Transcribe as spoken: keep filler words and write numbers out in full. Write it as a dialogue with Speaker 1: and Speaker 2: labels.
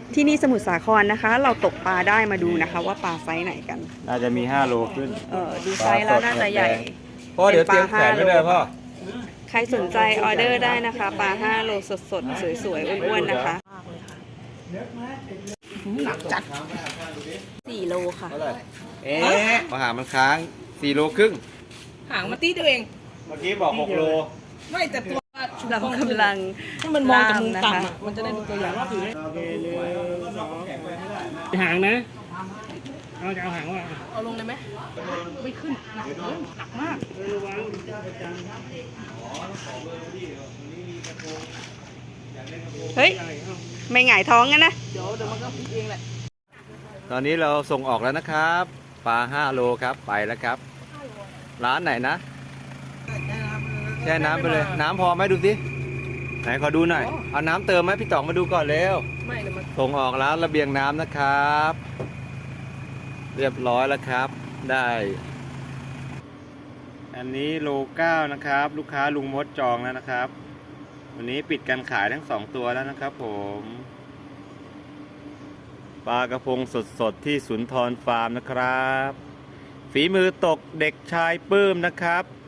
Speaker 1: ที่นี่สมุทรสาครนะคะ เราตกปลาได้มาดูนะคะ ว่าปลาไซส์ไหนกัน
Speaker 2: น่าจะมีห้าโลขึ้น
Speaker 1: เออดูไซส์แล้วน่าจะใหญ่
Speaker 2: พ่อเดี๋ยวเตรียมแขวนไว้เลยพ่อ
Speaker 1: ใครสนใจออเดอร์ได้นะคะ ปลาห้าโลสดๆ สวยๆ อ้วนๆ นะคะหนักจัดสี่โลค่ะ
Speaker 2: เอ๊ะมาหามันค้างสี่โลครึ่ง
Speaker 3: หางมาตีตัวเอง
Speaker 2: เมื่อกี้บอกหกโล
Speaker 3: ไม่แต่ตัว
Speaker 1: เรากำลัง
Speaker 3: ให้มันมองจากมุม
Speaker 1: ล่ามนะคะ
Speaker 3: ต่ำอ่ะ มันจะได้ดูตัวอย่างว่าถือ
Speaker 4: หางนะ เอาจะเอาหางว่า
Speaker 3: เอาลงเลยไหมไม่ขึ้นหนักเลยหนักมาก
Speaker 1: เฮ้ย ไม่หงายท้องกันนะ
Speaker 3: เดี๋ยวเดี๋ยวมันก็พลิกเองแหละ
Speaker 2: ตอนนี้เราส่งออกแล้วนะครับ ปลาห้าโลครับไปแล้วครับ ร้านไหนนะแช่น้ำไปเลย น้ำพอไหมดูสิไหนขอดูหน่อยเอาน้ำเติมไหมพี่ต๋องมาดูก่อนเร็ว
Speaker 3: ไม่เดี๋ยวมัน
Speaker 2: ส่งออกร้านระเบียงน้ำนะครับ เรียบร้อยแล้วครับ ได้ อันนี้โลเก้านะครับ ลูกค้าลุงมดจองแล้วนะครับ วันนี้ปิดการขายทั้งสองตัวแล้วนะครับผมปลากระพงสดๆที่สุนทรฟาร์มนะครับ ฝีมือตกเด็กชายปื้มนะครับ